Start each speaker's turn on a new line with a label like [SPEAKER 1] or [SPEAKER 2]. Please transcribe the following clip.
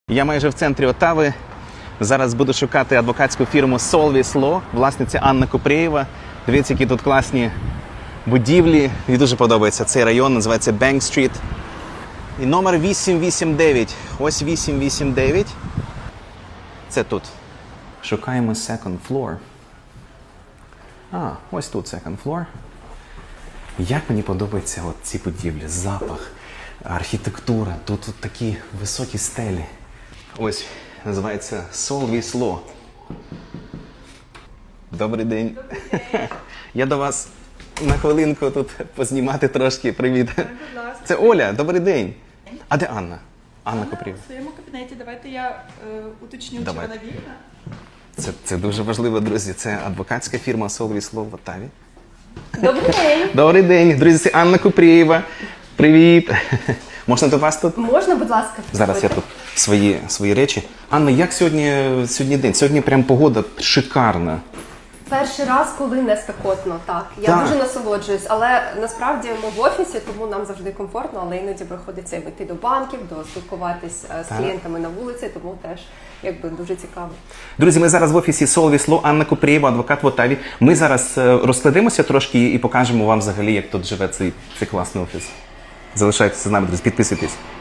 [SPEAKER 1] Я майже в центрі Отави. Зараз буду шукати адвокатську фірму Solvis Law, власниця Анна Купрієва. Дивіться, які тут класні будівлі. Мені дуже подобається цей район, називається Bank Street. І номер 889. Ось 889. Це тут. Шукаємо second floor. Ось тут second floor. Як мені подобаються ці будівлі, запах, архітектура. Тут такі високі стелі. Ось, називається Solvis Law. Добрий день.
[SPEAKER 2] Добрий день.
[SPEAKER 1] Я до вас на хвилинку тут познімати трошки. Привіт.
[SPEAKER 2] Будь ласка.
[SPEAKER 1] Це Оля, добрий день. А де Анна? Анна Купрієва.
[SPEAKER 2] В своєму кабінеті. Давайте я уточню,
[SPEAKER 1] Давай.
[SPEAKER 2] чи вона вільна.
[SPEAKER 1] Це дуже важливо, друзі. Це адвокатська фірма Solvis Law в Отаві.
[SPEAKER 2] Добрий день.
[SPEAKER 1] Добрий день, друзі, це Анна Купрієва. Привіт. Можна до вас тут?
[SPEAKER 2] Можна, будь ласка?
[SPEAKER 1] Зараз я тут свої речі. Анна, як сьогодні день? Сьогодні прям погода шикарна.
[SPEAKER 3] Перший раз, коли не спекотно, так. Я
[SPEAKER 1] Так.
[SPEAKER 3] дуже насолоджуюсь, але насправді ми в офісі, тому нам завжди комфортно, але іноді приходиться йти до банків, спілкуватись з клієнтами на вулиці, тому теж якби дуже цікаво.
[SPEAKER 1] Друзі, ми зараз в офісі Solvis Law, Анна Купрієва, адвокат в Отаві. Ми зараз розкладемося трошки і покажемо вам взагалі, як тут живе цей класний офіс. Залишайтеся з нами, друзі, підписуйтесь.